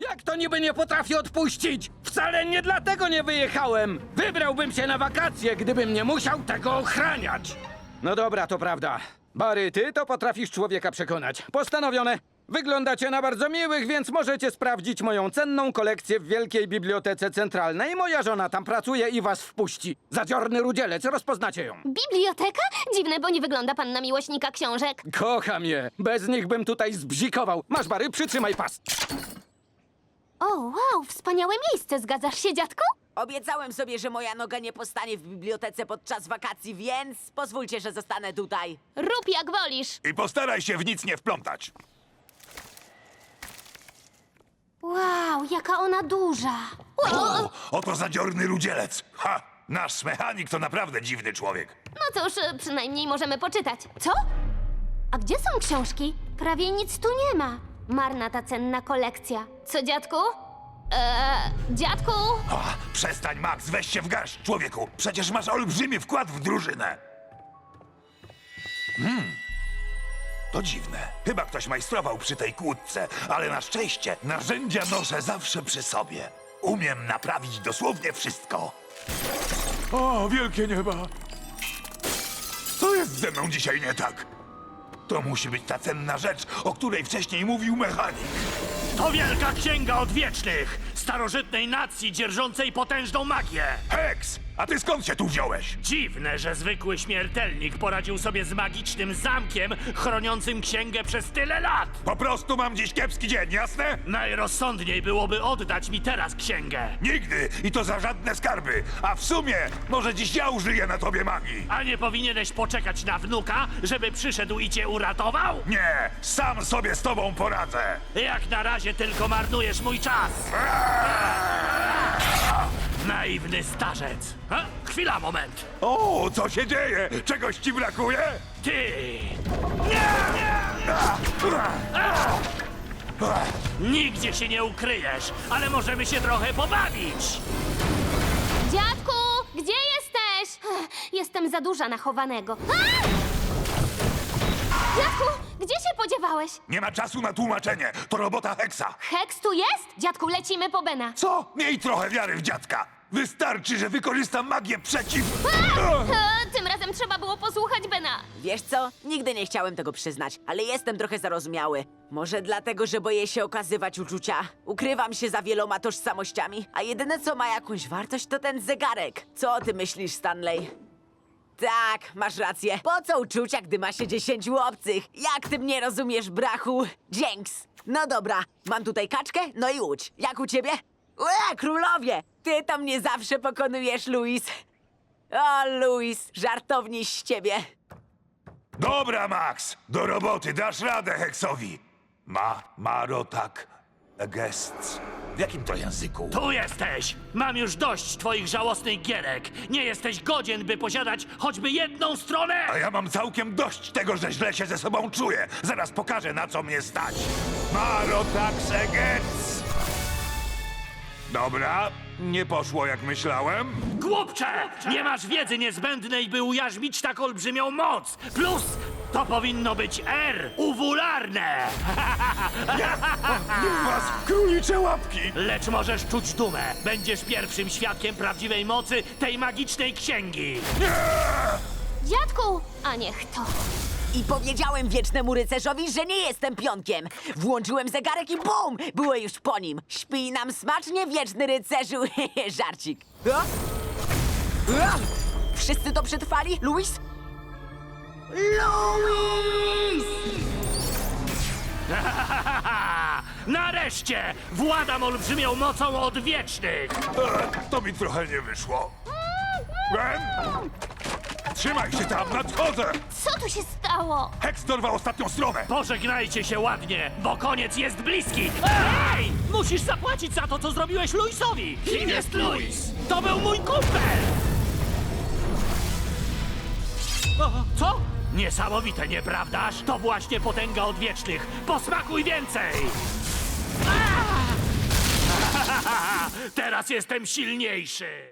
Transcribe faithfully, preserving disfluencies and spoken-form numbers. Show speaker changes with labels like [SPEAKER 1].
[SPEAKER 1] Jak to niby nie potrafię odpuścić? Wcale nie dlatego nie wyjechałem. Wybrałbym się na wakacje, gdybym nie musiał tego ochraniać. No dobra, to prawda. Barry, ty to potrafisz człowieka przekonać. Postanowione. Wyglądacie na bardzo miłych, więc możecie sprawdzić moją cenną kolekcję w Wielkiej Bibliotece Centralnej. Moja żona tam pracuje i was wpuści. Zadziorny rudzielec, rozpoznacie ją.
[SPEAKER 2] Biblioteka? Dziwne, bo nie wygląda pan na miłośnika książek.
[SPEAKER 1] Kocham je. Bez nich bym tutaj zbzikował. Masz, Barry, przytrzymaj pas.
[SPEAKER 2] O, wow, wspaniałe miejsce. Zgadzasz się, dziadku?
[SPEAKER 3] Obiecałem sobie, że moja noga nie postanie w bibliotece podczas wakacji, więc pozwólcie, że zostanę tutaj.
[SPEAKER 2] Rób jak wolisz.
[SPEAKER 4] I postaraj się w nic nie wplątać.
[SPEAKER 2] Wow, jaka ona duża. Wow.
[SPEAKER 4] O, oto zadziorny rudzielec. Ha! Nasz mechanik to naprawdę dziwny człowiek.
[SPEAKER 2] No cóż, przynajmniej możemy poczytać. Co? A gdzie są książki? Prawie nic tu nie ma. Marna ta cenna kolekcja. Co, dziadku? Eee, dziadku?
[SPEAKER 4] A, przestań, Max, weź się w garść, człowieku. Przecież masz olbrzymi wkład w drużynę. Hmm. To dziwne. Chyba ktoś majstrował przy tej kłódce, ale na szczęście narzędzia noszę zawsze przy sobie. Umiem naprawić dosłownie wszystko. O, wielkie nieba! Co jest ze mną dzisiaj nie tak? To musi być ta cenna rzecz, o której wcześniej mówił mechanik.
[SPEAKER 5] To wielka księga odwiecznych, starożytnej nacji dzierżącej potężną magię.
[SPEAKER 4] Hex! A ty skąd się tu wziąłeś?
[SPEAKER 5] Dziwne, że zwykły śmiertelnik poradził sobie z magicznym zamkiem chroniącym księgę przez tyle lat.
[SPEAKER 4] Po prostu mam dziś kiepski dzień, jasne?
[SPEAKER 5] Najrozsądniej byłoby oddać mi teraz księgę.
[SPEAKER 4] Nigdy! I to za żadne skarby! A w sumie, może dziś ja użyję na tobie magii!
[SPEAKER 5] A nie powinieneś poczekać na wnuka, żeby przyszedł i cię uratował?
[SPEAKER 4] Nie! Sam sobie z tobą poradzę!
[SPEAKER 5] Jak na razie tylko marnujesz mój czas. Naiwny starzec. A? Chwila, moment.
[SPEAKER 4] O, co się dzieje? Czegoś ci brakuje?
[SPEAKER 5] Ty! Nigdzie się nie ukryjesz, ale możemy się trochę pobawić.
[SPEAKER 2] Dziadku, gdzie jesteś? Ech, Jestem za duża na chowanego. A! Dziadku, gdzie się podziewałeś?
[SPEAKER 4] Nie ma czasu na tłumaczenie. To robota Hexa.
[SPEAKER 2] Hex tu jest? Dziadku, lecimy po Bena.
[SPEAKER 4] Co? Miej trochę wiary w dziadka. Wystarczy, że wykorzystam magię przeciw...
[SPEAKER 2] E, tym razem trzeba było posłuchać Bena.
[SPEAKER 3] Wiesz co? Nigdy nie chciałem tego przyznać, ale jestem trochę zarozumiały. Może dlatego, że boję się okazywać uczucia. Ukrywam się za wieloma tożsamościami, a jedyne co ma jakąś wartość to ten zegarek. Co o tym myślisz, Stanley? Tak, masz rację. Po co uczucia, gdy ma się dziesięciu obcych? Jak ty mnie rozumiesz, brachu? Dzięks. No dobra, mam tutaj kaczkę, no i łódź. Jak u ciebie? Ue, królowie! Ty to mnie zawsze pokonujesz, Louis. O, Louis, żartowniś z ciebie.
[SPEAKER 4] Dobra, Max. Do roboty. Dasz radę Hexowi. Ma, maro, tak. Gests. W jakim to języku?
[SPEAKER 5] Tu jesteś! Mam już dość twoich żałosnych gierek. Nie jesteś godzien, by posiadać choćby jedną stronę!
[SPEAKER 4] A ja mam całkiem dość tego, że źle się ze sobą czuję. Zaraz pokażę, na co mnie stać. Maro, tak, segec. Dobra, nie poszło jak myślałem.
[SPEAKER 5] Głupcze! Nie masz wiedzy niezbędnej, by ujarzmić tak olbrzymią moc! Plus, to powinno być R, uwularne!
[SPEAKER 4] Nie was, królicze łapki!
[SPEAKER 5] Lecz możesz czuć dumę. Będziesz pierwszym świadkiem prawdziwej mocy tej magicznej księgi.
[SPEAKER 2] Dziadku, a niech to.
[SPEAKER 3] I powiedziałem wiecznemu rycerzowi, że nie jestem pionkiem. Włączyłem zegarek i bum! Było już po nim. Śpij nam smacznie, wieczny rycerzu. Żarcik. O? O? Wszyscy to przetrwali? Louis? Louis!
[SPEAKER 5] Nareszcie! Władam olbrzymią mocą odwiecznych!
[SPEAKER 4] E, To mi trochę nie wyszło. Ben? Trzymaj się tam, nadchodzę!
[SPEAKER 2] Co tu się stało?
[SPEAKER 4] Hex dorwał ostatnią stronę!
[SPEAKER 5] Pożegnajcie się ładnie, bo koniec jest bliski! Ej! Musisz zapłacić za to, co zrobiłeś Louisowi! Kim jest Louis? To był mój kumpel! O, co? Niesamowite, nieprawdaż? To właśnie potęga odwiecznych! Posmakuj więcej! A! Teraz jestem silniejszy!